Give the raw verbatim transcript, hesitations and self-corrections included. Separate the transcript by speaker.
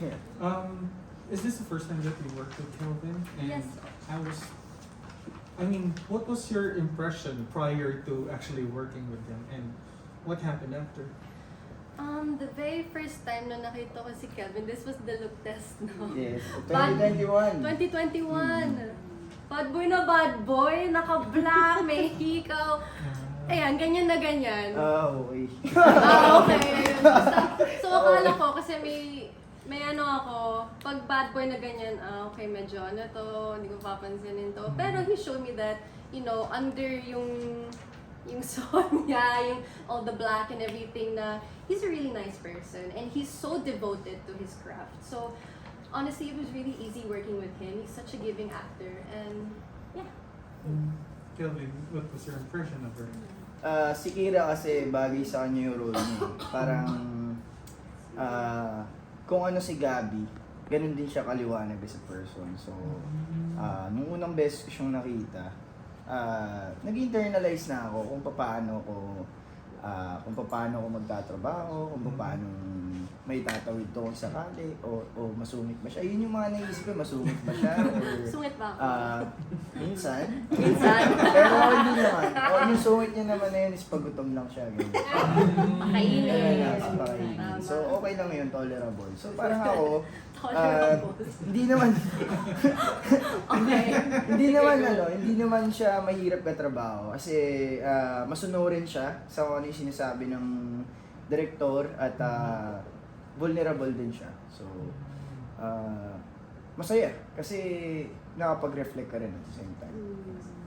Speaker 1: Um, is this the first time that you worked with Kelvin? And
Speaker 2: Yes.
Speaker 1: I was, I mean, what was your impression prior to actually working with him, and what happened after?
Speaker 2: Um, the very first time na nakita ko si Kelvin, this was the look test, no?
Speaker 3: Yes,
Speaker 2: Bad-
Speaker 3: twenty twenty-one.
Speaker 2: twenty twenty-one. Bad boy na bad boy, naka-black, may hikaw. Ayan, ganyan na ganyan.
Speaker 3: Ah, okay.
Speaker 2: Ah, okay. Ayun. Basta, so akala ko, kasi may, may ano ako, pag bad boy na ganyan, ah, okay, medyo ano to, hindi ko papansinin to. Pero he showed me that, you know, under yung, yung song niya, yung all the black and everything na, he's a really nice person and he's so devoted to his craft. So, honestly, it was really easy working with him. He's such a giving actor and, yeah.
Speaker 1: Kelvin, what was your impression of her?
Speaker 3: Ah, si Kira kasi bagay sa kanya yung role niya. Parang, ah, kung ano si Gabi, ganun din siya kaliwanag as a person. So, ah, nung unang beses ko siyang nakita, ah, nag-internalize na ako kung paano ko, ah, kung paano ko magtatrabaho, kung paano may tatawid to kung sakali, o, o masungit ba siya. Yun yung mga naisip ko, masungit ba siya, or
Speaker 2: Sungit ba ako?
Speaker 3: ah, minsan.
Speaker 2: Minsan.
Speaker 3: Pero hindi naman. O, yung sungit niya naman na yun is pagutom lang siya. Ganyan.
Speaker 2: Kainin.
Speaker 3: Ganyan lang, sa pakainin.
Speaker 2: Tama.
Speaker 3: So, okay lang yun, tolerable. So, parang ako, ah,
Speaker 2: Tolerable.
Speaker 3: hindi naman,
Speaker 2: Okay.
Speaker 3: hindi naman ano, hindi naman siya mahirap katrabaho. Kasi, ah, masunurin siya sa kung ano yung sinasabi ng direktor at ah, vulnerable din siya. So, ah, masaya. Kasi nakapag-reflect ka rin at the same time.
Speaker 2: Mm.